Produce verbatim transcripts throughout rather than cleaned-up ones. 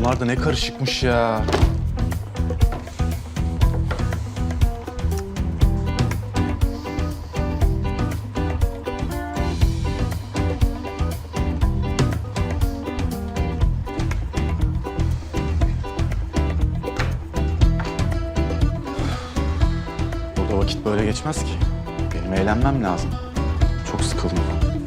Bunlar da ne karışıkmış ya. Burada vakit böyle geçmez ki. Benim eğlenmem lazım. Çok sıkıldım.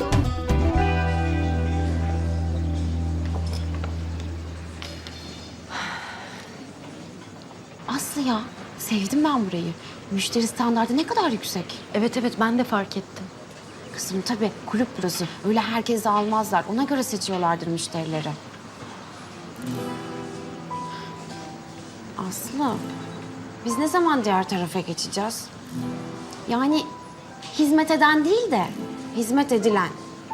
Aslı ya, sevdim ben burayı. Müşteri standardı ne kadar yüksek. Evet evet ben de fark ettim. Kızım tabii kulüp burası. Öyle herkese almazlar. Ona göre seçiyorlardır müşterileri. Aslı, biz ne zaman diğer tarafa geçeceğiz? Yani hizmet eden değil de hizmet edilen.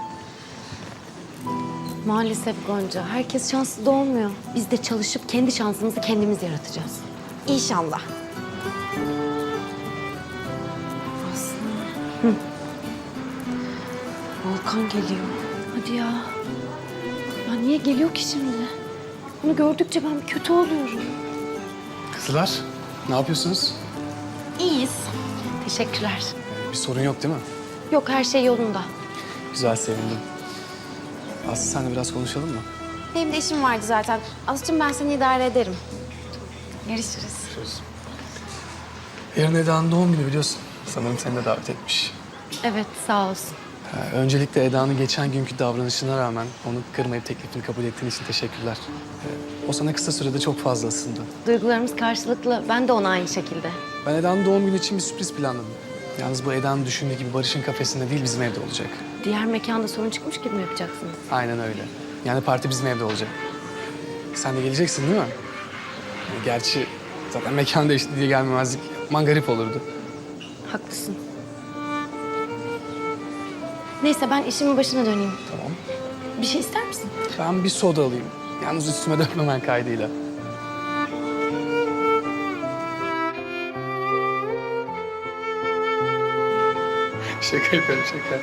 Maalesef Gonca, herkes şanslı da olmuyor. Biz de çalışıp kendi şansımızı kendimiz yaratacağız. İnşallah. Aslı. Hı. Volkan geliyor. Hadi ya. Ya niye geliyor ki şimdi? Onu gördükçe ben kötü oluyorum. Kızlar, ne yapıyorsunuz? İyiyiz. Teşekkürler. Bir sorun yok değil mi? Yok her şey yolunda. Güzel, sevindim. Aslı, senle biraz konuşalım mı? Benim de işim vardı zaten. Aslı'cığım ben seni idare ederim. Görüşürüz. Görüşürüz. Yarın Eda'nın doğum günü biliyorsun. Sanırım seni de davet etmiş. Evet sağ olsun. Ha, öncelikle Eda'nın geçen günkü davranışına rağmen onu kırmayıp teklifini kabul ettiğin için teşekkürler. Ee, o sana kısa sürede çok fazla ısındı. Duygularımız karşılıklı. Ben de ona aynı şekilde. Ben Eda'nın doğum günü için bir sürpriz planladım. Yalnız bu Eda'nın düşündüğü gibi Barış'ın kafesinde değil, bizim evde olacak. Diğer mekanda sorun çıkmış gibi mi yapacaksınız? Aynen öyle. Yani parti bizim evde olacak. Sen de geleceksin değil mi? Yani gerçi zaten mekan değişti diye gelmemezlik yapman garip olurdu. Haklısın. Neyse ben işimin başına döneyim. Tamam. Bir şey ister misin? Ben bir soda alayım. Yalnız üstüme dökmemen kaydıyla. Şaka yapıyorum, şaka.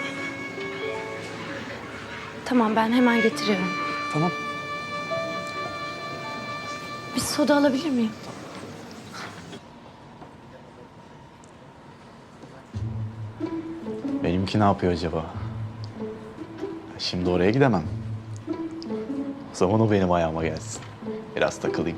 Tamam ben hemen getiriyorum. Tamam. Bir soda alabilir miyim? Benimki ne yapıyor acaba? Şimdi oraya gidemem. O zaman o benim ayağıma gelsin. Biraz takılayım.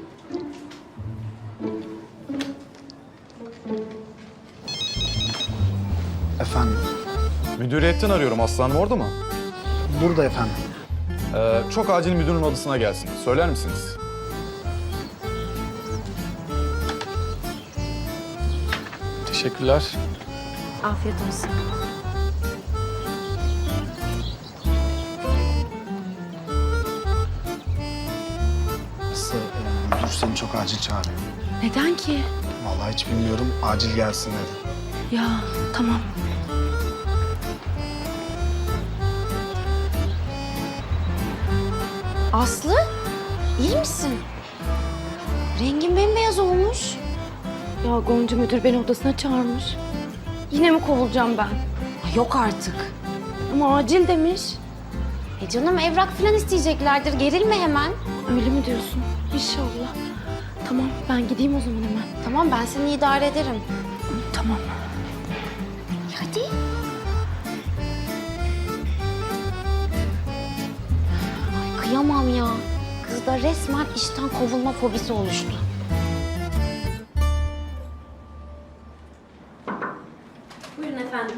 Efendim, Müdüriyetten arıyorum. Aslanım orada mı? burada efendim. Ee, çok acil müdürün odasına gelsin. Söyler misiniz? Teşekkürler. Afiyet olsun. Aslı, e, müdür seni çok acil çağırıyor. Neden ki? Vallahi hiç bilmiyorum, acil gelsin dedi. Ya tamam. Aslı, iyi misin? Rengin bembeyaz olmuş. Ya Gonca müdür beni odasına çağırmış. Yine mi kovulacağım ben? Ay, yok artık. Ama acil demiş. E canım evrak falan isteyeceklerdir. Gerilme hemen. Öyle mi diyorsun? İnşallah. Tamam ben gideyim o zaman hemen. Tamam ben seni idare ederim. Tamam. Hadi. Ay kıyamam ya. Kızda resmen işten kovulma fobisi oluştu. Buyurun efendim.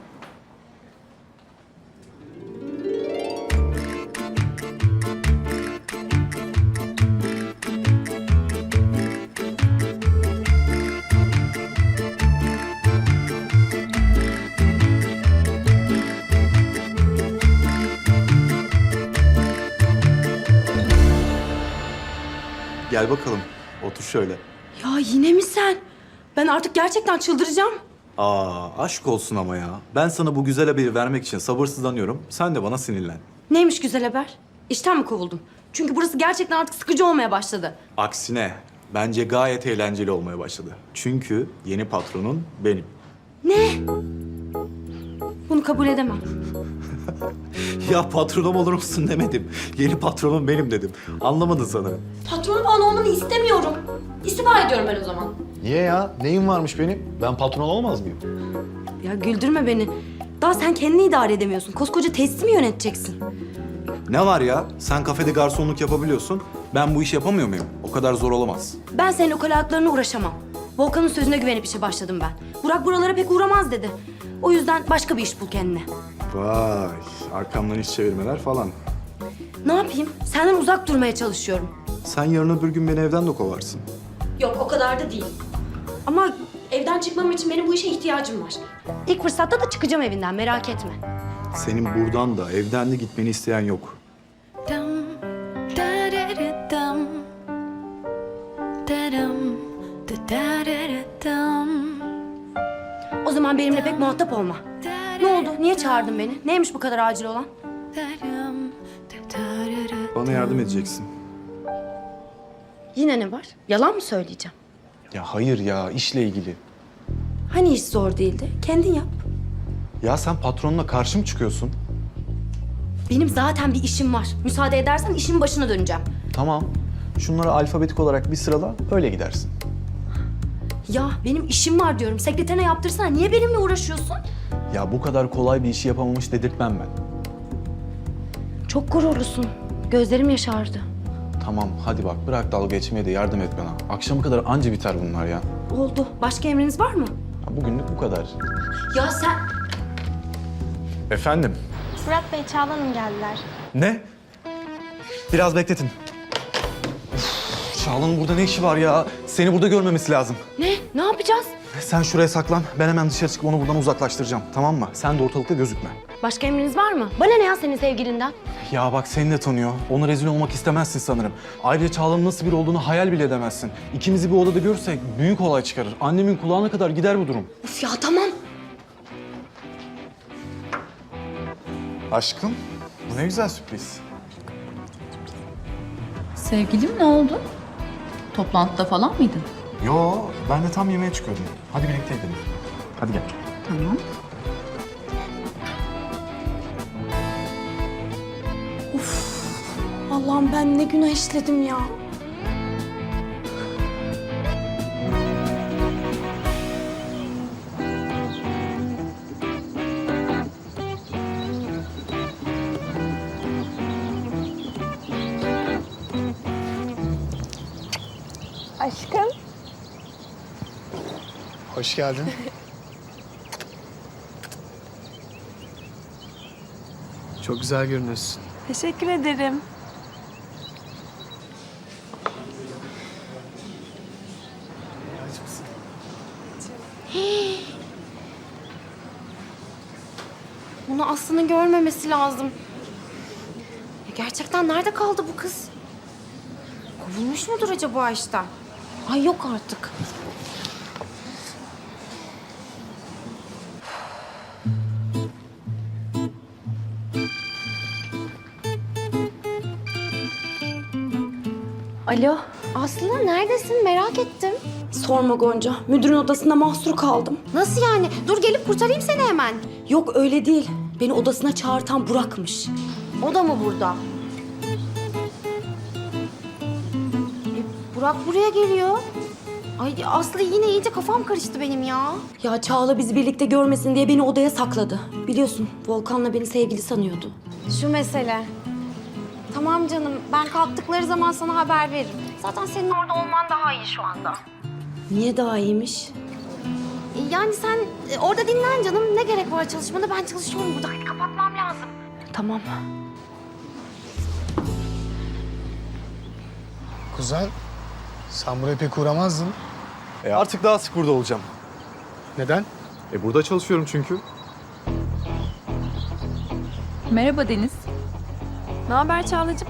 Gel bakalım. Otur şöyle. Ya yine mi sen? Ben artık gerçekten çıldıracağım. Aa, aşk olsun ama ya. Ben sana bu güzel haberi vermek için sabırsızlanıyorum. Sen de bana sinirlen. Neymiş güzel haber? İşten mi kovuldum? Çünkü burası gerçekten artık sıkıcı olmaya başladı. Aksine bence gayet eğlenceli olmaya başladı. Çünkü yeni patronun benim. Ne? Bunu kabul edemem. Ya patronum olur musun demedim. Yeni patronum benim dedim. Anlamadın sanırım. Patron falan olmanı istemiyorum. İstifa ediyorum ben o zaman. Niye ya? Neyim varmış benim? Ben patron olmaz mıyım? Ya güldürme beni. Daha sen kendini idare edemiyorsun. Koskoca tesisi mi yöneteceksin? Ne var ya? Sen kafede garsonluk yapabiliyorsun. Ben bu işi yapamıyor muyum? O kadar zor olamaz. Ben senin ukalalıklarına uğraşamam. Volkan'ın sözüne güvenip işe başladım ben. Burak buralara pek uğramaz dedi. O yüzden başka bir iş bul kendine. Vay, arkamdan iş çevirmeler falan. Ne yapayım? Senden uzak durmaya çalışıyorum. Sen yarın öbür gün beni evden de kovarsın. Yok o kadar da değil. Ama evden çıkmam için benim bu işe ihtiyacım var. İlk fırsatta da çıkacağım evinden merak etme. Senin buradan da evden de gitmeni isteyen yok. O zaman benimle pek muhatap olma. Ne oldu? Niye çağırdın beni? Neymiş bu kadar acil olan? Bana yardım edeceksin. Yine ne var? Yalan mı söyleyeceğim? Ya hayır ya, işle ilgili. Hani iş zor değildi? Kendin yap. Ya sen patronuna karşı mı çıkıyorsun? Benim zaten bir işim var. Müsaade edersen işin başına döneceğim. Tamam. Şunları alfabetik olarak bir sırala, öyle gidersin. Ya benim işim var diyorum. Sekreterine yaptırsana. Niye benimle uğraşıyorsun? Ya bu kadar kolay bir işi yapamamış dedirtmem ben. Çok gururlusun. Gözlerim yaşardı. Tamam, hadi bak bırak dalga geçmeye de yardım et bana. Akşama kadar anca biter bunlar ya. Oldu. Başka emriniz var mı? Ya bugünlük bu kadar. Ya sen... Efendim? Fırat Bey, Çağla Hanım geldiler. Ne? Biraz bekletin. Üf, Çağla'nın burada ne işi var ya? Seni burada görmemesi lazım. Ne? Ne yapacağız? Sen şuraya saklan. Ben hemen dışarı çıkıp onu buradan uzaklaştıracağım. Tamam mı? Sen de ortalıkta gözükme. Başka emriniz var mı? Bana ne ya senin sevgilinden? Ya bak seni de tanıyor. Ona rezil olmak istemezsin sanırım. Ayrıca Çağla'nın nasıl biri olduğunu hayal bile edemezsin. İkimizi bir odada görürsek büyük olay çıkarır. Annemin kulağına kadar gider bu durum. Üf ya tamam. Aşkım, bu ne güzel sürpriz. Sevgilim ne oldu? Toplantıda falan mıydın? Yo, ben de tam yemeğe çıkıyordum. Hadi birlikte gidelim. Hadi gel. Tamam. Allah'ım ben ne günah işledim ya. Aşkım. Hoş geldin. Çok güzel görünüyorsun. Teşekkür ederim. Bunu Aslı'nın görmemesi lazım. Ya gerçekten nerede kaldı bu kız? Kovulmuş mudur acaba işten? Ay yok artık. Alo. Aslı neredesin? Merak ettim. Sorma Gonca. Müdürün odasında mahsur kaldım. Nasıl yani? Dur gelip kurtarayım seni hemen. Yok öyle değil. Beni odasına çağırtan Burak'mış. O da mı burada? E, Burak buraya geliyor. Ay Aslı yine iyice kafam karıştı benim ya. Ya Çağla bizi birlikte görmesin diye beni odaya sakladı. Biliyorsun Volkan'la beni sevgili sanıyordu. Şu mesele. Tamam canım, ben kalktıkları zaman sana haber veririm. Zaten senin orada olman daha iyi şu anda. Niye daha iyiymiş? E, Yani sen e, orada dinlen canım. Ne gerek var çalışmana? Ben çalışıyorum burada. Hadi kapatmam lazım. Tamam. Kuzen, sen buraya pek uğramazdın. E artık daha sık burada olacağım. Neden? E burada çalışıyorum çünkü. Merhaba Deniz. Ne haber Çağlacığım?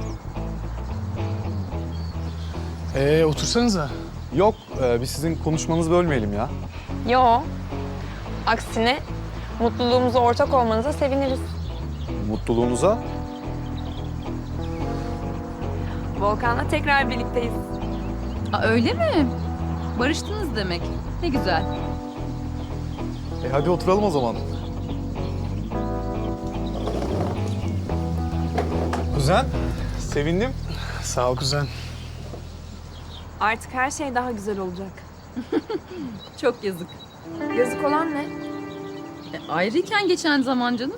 Ee, otursanıza. Yok, e, biz sizin konuşmanızı bölmeyelim ya. Yo. Aksine mutluluğumuza ortak olmanıza seviniriz. Mutluluğunuza. Volkan'la tekrar birlikteyiz. Aa, öyle mi? Barıştınız demek. Ne güzel. E hadi oturalım o zaman. Kuzen, sevindim. Sağ ol kuzen. Artık her şey daha güzel olacak. Çok yazık. Yazık olan ne? E, ayrıyken geçen zaman canım.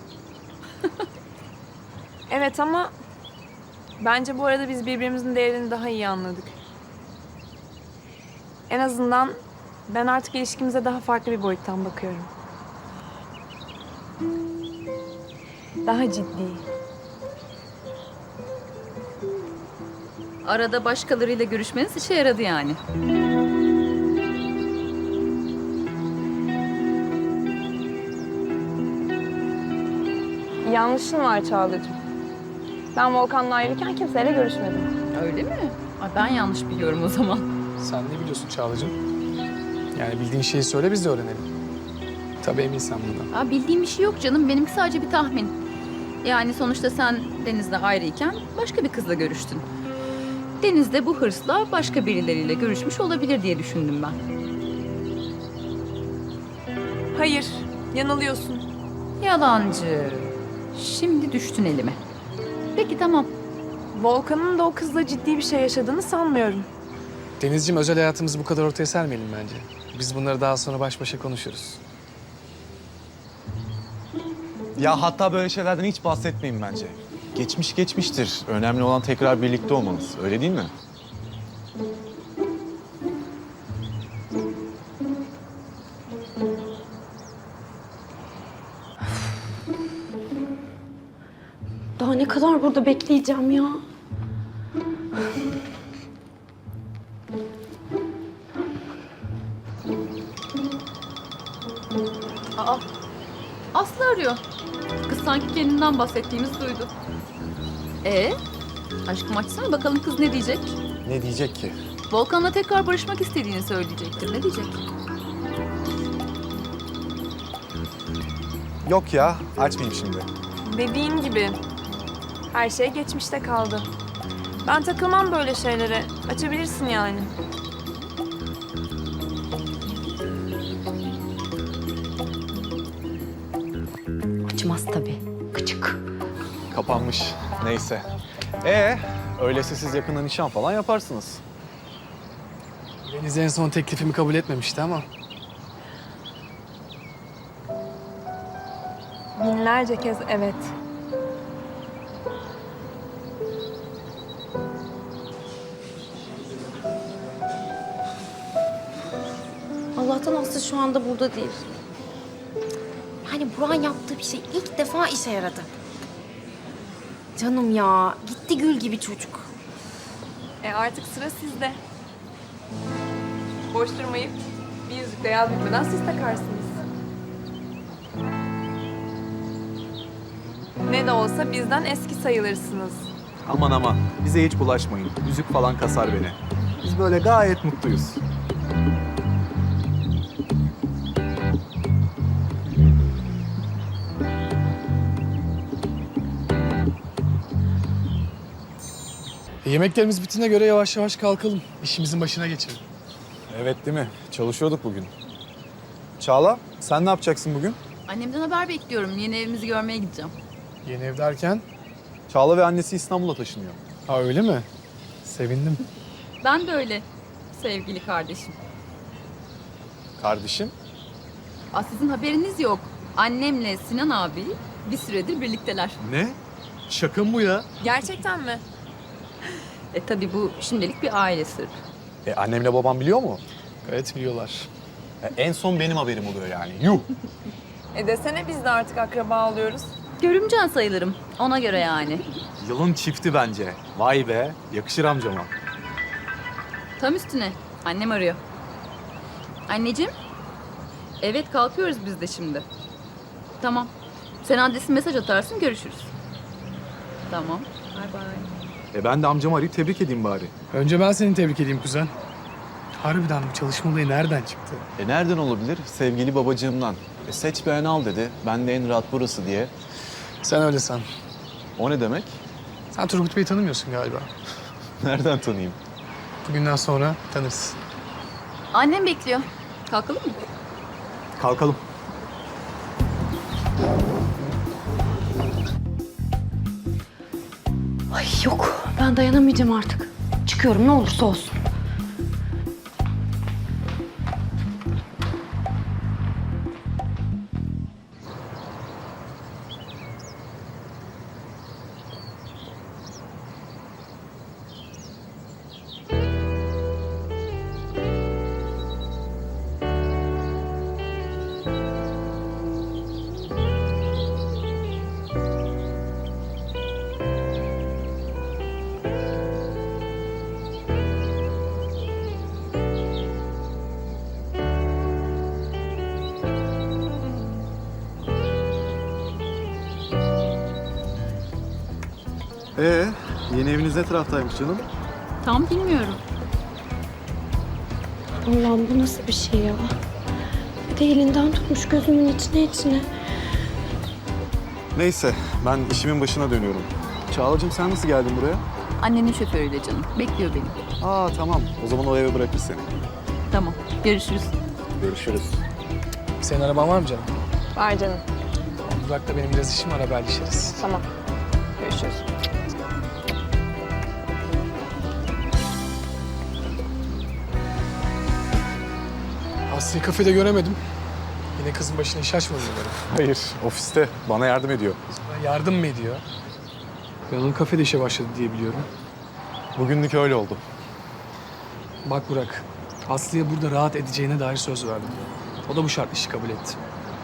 Evet ama bence bu arada biz birbirimizin değerini daha iyi anladık. En azından ben artık ilişkimize daha farklı bir boyuttan bakıyorum. Daha ciddi. Arada başkalarıyla görüşmeniz işe yaradı yani. Yanlışın var Çağla'cığım. Ben Volkan'la ayrıyken kimseyle görüşmedim. Öyle mi? Ay, ben yanlış biliyorum o zaman. Sen ne biliyorsun Çağla'cığım? Yani bildiğin şeyi söyle biz de öğrenelim. Tabii eminsen bundan. Aa, bildiğim bir şey yok canım. Benimki sadece bir tahmin. Yani sonuçta sen Deniz'le ayrıyken başka bir kızla görüştün. Deniz de bu hırsla başka birileriyle görüşmüş olabilir diye düşündüm ben. Hayır, yanılıyorsun. Yalancı. Şimdi düştün elime. Peki tamam. Volkan'ın da o kızla ciddi bir şey yaşadığını sanmıyorum. Denizciğim, özel hayatımızı bu kadar ortaya sermeyelim bence. Biz bunları daha sonra baş başa konuşuruz. Ya hatta böyle şeylerden hiç bahsetmeyin bence. Geçmiş geçmiştir. Önemli olan tekrar birlikte olmanız. Öyle değil mi? Daha ne kadar burada bekleyeceğim ya? Aa, Aslı arıyor. Kız sanki kendinden bahsettiğimizi duydu. Ee, aşkım açsana bakalım kız ne diyecek? Ne diyecek ki? Volkan'la tekrar barışmak istediğini söyleyecektir. Ne diyecek? Yok ya, açmayayım şimdi. Dediğin gibi her şey geçmişte kaldı. Ben takılmam böyle şeylere. Açabilirsin yani. Açmaz tabii. Gıcık. Kapanmış. Neyse. Ee, öyleyse siz yakında nişan falan yaparsınız. Deniz en son teklifimi kabul etmemişti ama. Binlerce kez evet. Allah'tan Aslı şu anda burada değil. Yani Burak'ın yaptığı bir şey ilk defa işe yaradı. Canım ya, gitti gül gibi çocuk. E artık sıra sizde. Boş durmayıp bir yüzükle yaz bitmeden siz takarsınız. Ne de olsa bizden eski sayılırsınız. Aman aman, bize hiç bulaşmayın. Yüzük falan kasar beni. Biz böyle gayet mutluyuz. E, yemeklerimiz bittiğine göre yavaş yavaş kalkalım. İşimizin başına geçelim. Evet değil mi? Çalışıyorduk bugün. Çağla, sen ne yapacaksın bugün? Annemden haber bekliyorum. Yeni evimizi görmeye gideceğim. Yeni ev derken? Çağla ve annesi İstanbul'a taşınıyor. Ha öyle mi? Sevindim. Ben de öyle sevgili kardeşim. Kardeşim? Aa, sizin haberiniz yok. Annemle Sinan abi bir süredir birlikteler. Ne? Şaka mı bu ya? Gerçekten mi? E tabii bu şimdilik bir aile sırrı. E annemle babam biliyor mu? Evet, biliyorlar. E, en son benim haberim oluyor yani. Yuh! E desene biz de artık akraba oluyoruz. Görümcen sayılırım. Ona göre yani. Yılın çifti bence. Vay be, yakışır amcama. Tam üstüne. Annem arıyor. Anneciğim. Evet kalkıyoruz biz de şimdi. Tamam. Sen adresin mesaj atarsın görüşürüz. Tamam. Bay bay. E ben de amcamı arayıp tebrik edeyim bari. Önce ben seni tebrik edeyim kuzen. Harbiden bu çalışma olayı nereden çıktı? E nereden olabilir? Sevgili babacığımdan. E seç beğen al dedi. Ben de en rahat burası diye. Sen öyle san. O ne demek? Sen Turgut Bey'i tanımıyorsun galiba. Nereden tanıyayım? Bugünden sonra tanırsın. Annem bekliyor. Kalkalım mı? Kalkalım. Ay yok, ben dayanamayacağım artık. Çıkıyorum ne olursa olsun. Ee, yeni eviniz ne taraftaymış canım? Tam bilmiyorum. Allah'ım bu nasıl bir şey ya? Bir de elinden tutmuş gözümün içine içine. Neyse, ben işimin başına dönüyorum. Çağla'cığım sen nasıl geldin buraya? Annenin şoförüyle canım. Bekliyor beni. Aa tamam, o zaman o eve bırakır seni. Tamam. Görüşürüz. Görüşürüz. Senin araban var mı canım? Var canım. Burak'la benim biraz işim var, haberleşiriz. Tamam. Görüşürüz. Aslı'yı kafede göremedim. Yine kızın başına iş açmadı umarım. Hayır, ofiste. Bana yardım ediyor. Yardım mı ediyor? Ben onun kafede işe başladı diye biliyorum. Bugünlük öyle oldu. Bak Burak, Aslı'ya burada rahat edeceğine dair söz verdim. O da bu şartlı işi kabul etti.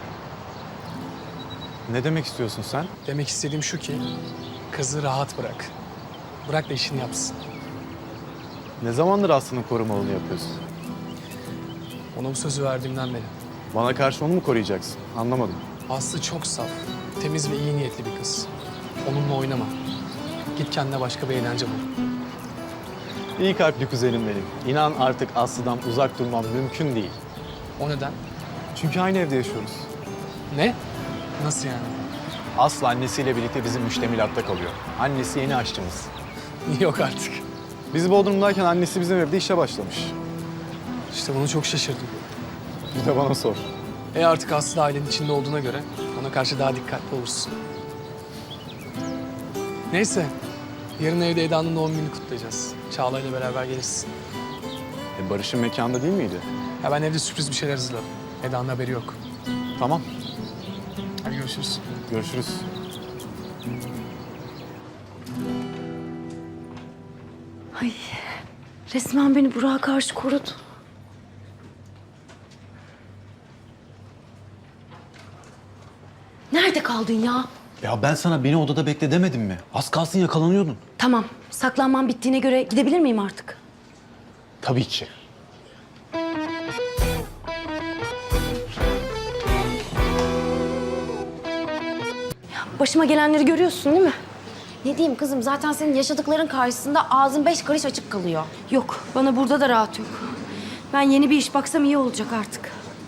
Ne demek istiyorsun sen? Demek istediğim şu ki, kızı rahat bırak. Bırak da işini yapsın. Ne zamandır Aslı'nın korumalığını yapıyorsun? Ona bu sözü verdiğimden beri. Bana karşı onu mu koruyacaksın? Anlamadım. Aslı çok saf, temiz ve iyi niyetli bir kız. Onunla oynama. Git kendine başka bir eğlence bul. İyi kalpli kuzenim benim. İnan artık Aslı'dan uzak durmam mümkün değil. O neden? Çünkü aynı evde yaşıyoruz. Ne? Nasıl yani? Aslı annesiyle birlikte bizim müştemilatta kalıyor. Annesi yeni aşçımız. Yok artık. Biz Bodrum'dayken annesi bizim evde işe başlamış. İşte bunu çok şaşırdım. Bir de bana sor. E artık Aslı ailenin içinde olduğuna göre ona karşı daha dikkatli olursun. Neyse, yarın evde Eda'nın doğum gününü kutlayacağız. Çağla ile beraber gelirsin. E Barış'ın mekanda değil miydi? Ya ben evde sürpriz bir şeyler hazırladım. Eda'nın haberi yok. Tamam, Hadi görüşürüz. görüşürüz. Ay resmen beni Burak'a karşı korudu. Nerede kaldın ya? Ya ben sana beni odada bekle demedim mi? Az kalsın yakalanıyordun. Tamam, saklanmam bittiğine göre gidebilir miyim artık? Tabii ki. Başıma gelenleri görüyorsun değil mi? Ne diyeyim kızım zaten senin yaşadıkların karşısında ağzın beş karış açık kalıyor. Yok, bana burada da rahat yok. Ben yeni bir iş baksam iyi olacak artık.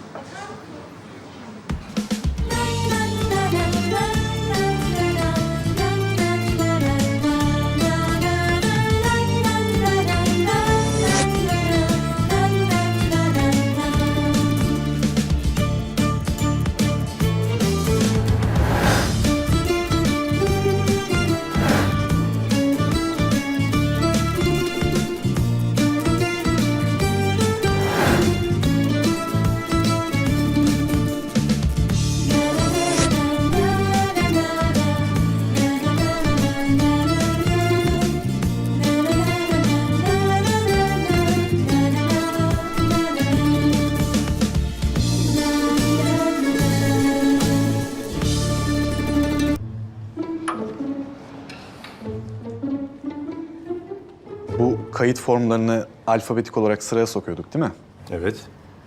Bu kayıt formlarını alfabetik olarak sıraya sokuyorduk değil mi? Evet.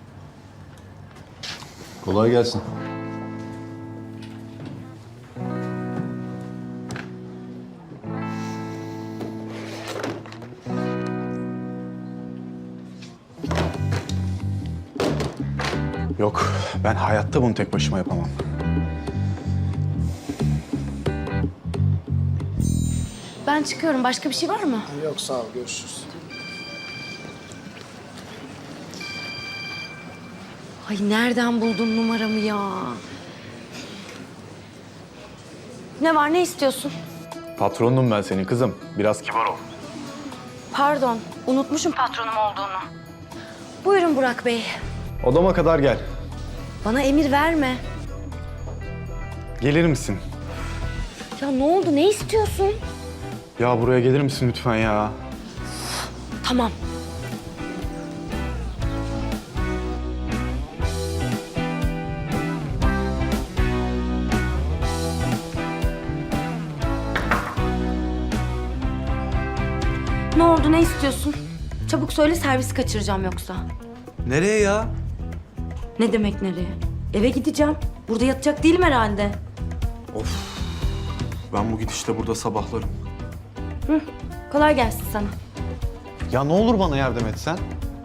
Kolay gelsin. Yok, ben hayatta bunu tek başıma yapamam. Ben çıkıyorum. Başka bir şey var mı? Yok sağ ol, görüşürüz. Ay nereden buldun numaramı ya? Ne var, ne istiyorsun? Patronum ben senin kızım. Biraz kibar ol. Pardon, unutmuşum patronum olduğunu. Buyurun Burak Bey. Odama kadar gel. Bana emir verme. Gelir misin? Ya ne oldu, ne istiyorsun? Ya buraya gelir misin lütfen ya? Tamam. Ne oldu, ne istiyorsun? Çabuk söyle, servisi kaçıracağım yoksa. Nereye ya? Ne demek nereye? Eve gideceğim. Burada yatacak değilim herhalde. Ben bu gidişte burada sabahlarım. Kolay gelsin sana. Ya ne olur bana yardım etsen.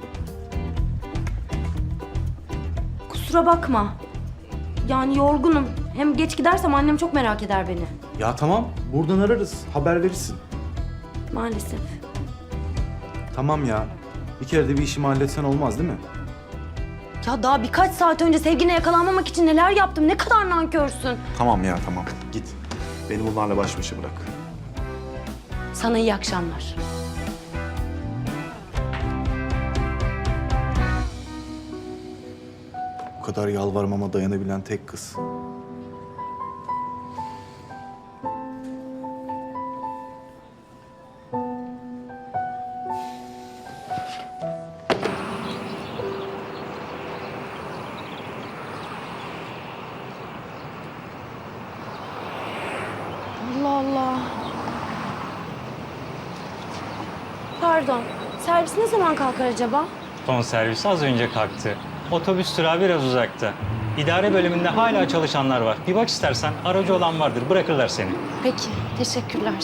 Kusura bakma. Yani yorgunum. Hem geç gidersem annem çok merak eder beni. Ya tamam, buradan ararız. Haber verirsin. Maalesef. Tamam ya. Bir kere de bir işimi halletsen olmaz değil mi? Ya daha birkaç saat önce sevgine yakalanmamak için neler yaptım. Ne kadar nankörsün. Tamam ya tamam. Git. Beni bunlarla baş başa bırak. Sana iyi akşamlar. Bu kadar yalvarmama dayanabilen tek kız. Allah Allah. Pardon. Servis ne zaman kalkar acaba? Son servisi az önce kalktı. Otobüs durağı biraz uzakta. İdare bölümünde hala çalışanlar var. Bir bak istersen, aracı olan vardır. Bırakırlar seni. Peki. Teşekkürler.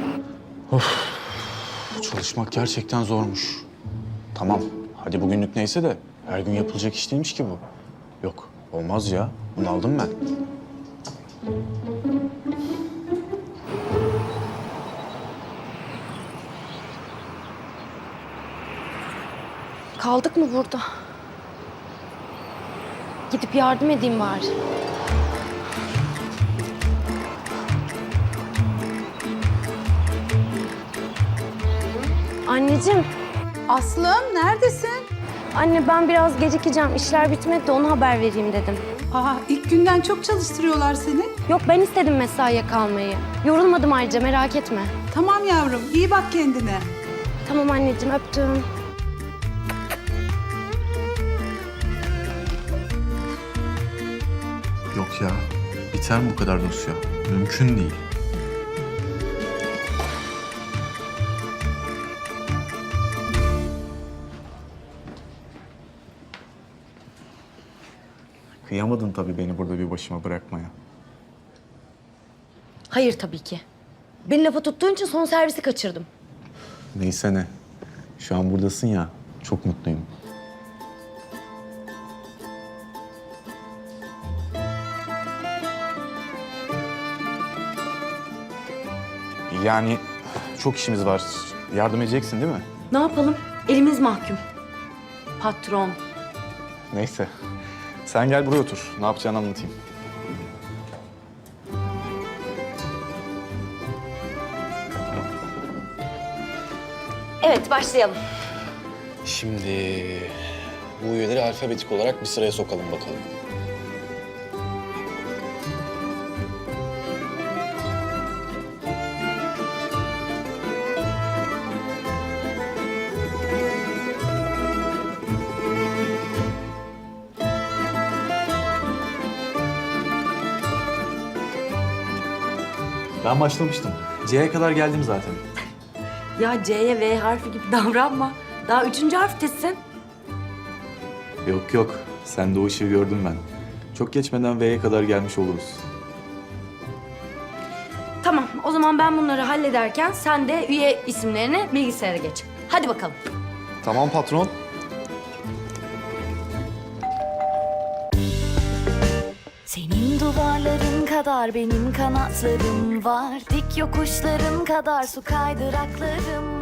Bu çalışmak gerçekten zormuş. Tamam, hadi bugünlük neyse de her gün yapılacak iş değilmiş ki bu. Yok, olmaz ya. Bunu aldım ben. Kaldık mı burada? Gidip yardım edeyim bari. Anneciğim, Aslım neredesin? anne ben biraz gecikeceğim. İşler bitmedi de ona haber vereyim dedim. Aa, ilk günden çok çalıştırıyorlar seni. Yok ben istedim mesaiye kalmayı. Yorulmadım ayrıca merak etme. Tamam yavrum, iyi bak kendine. Tamam anneciğim öptüm. Yok ya. Biter mi bu kadar dosya? Mümkün değil. Kıyamadın tabii beni burada bir başıma bırakmaya. Hayır tabii ki. Beni lafa tuttuğun için son servisi kaçırdım. Neyse ne. Şu an buradasın ya. Çok mutluyum. Yani çok işimiz var. Yardım edeceksin değil mi? Ne yapalım? Elimiz mahkum. Patron. Neyse. Sen gel buraya otur. Ne yapacağını anlatayım. Evet başlayalım. Şimdi bu üyeleri alfabetik olarak bir sıraya sokalım bakalım. Ben başlamıştım. C'ye kadar geldim zaten. Ya C'ye V harfi gibi davranma. Daha üçüncü harftesin. Yok yok. Sen de o ışığı gördüm ben. Çok geçmeden V'ye kadar gelmiş oluruz. Tamam o zaman ben bunları hallederken sen de üye isimlerini bilgisayara geç. Hadi bakalım. Tamam patron. Senin duvarların kadar benim kanatlarım var. Dik yokuşların kadar su kaydıraklarım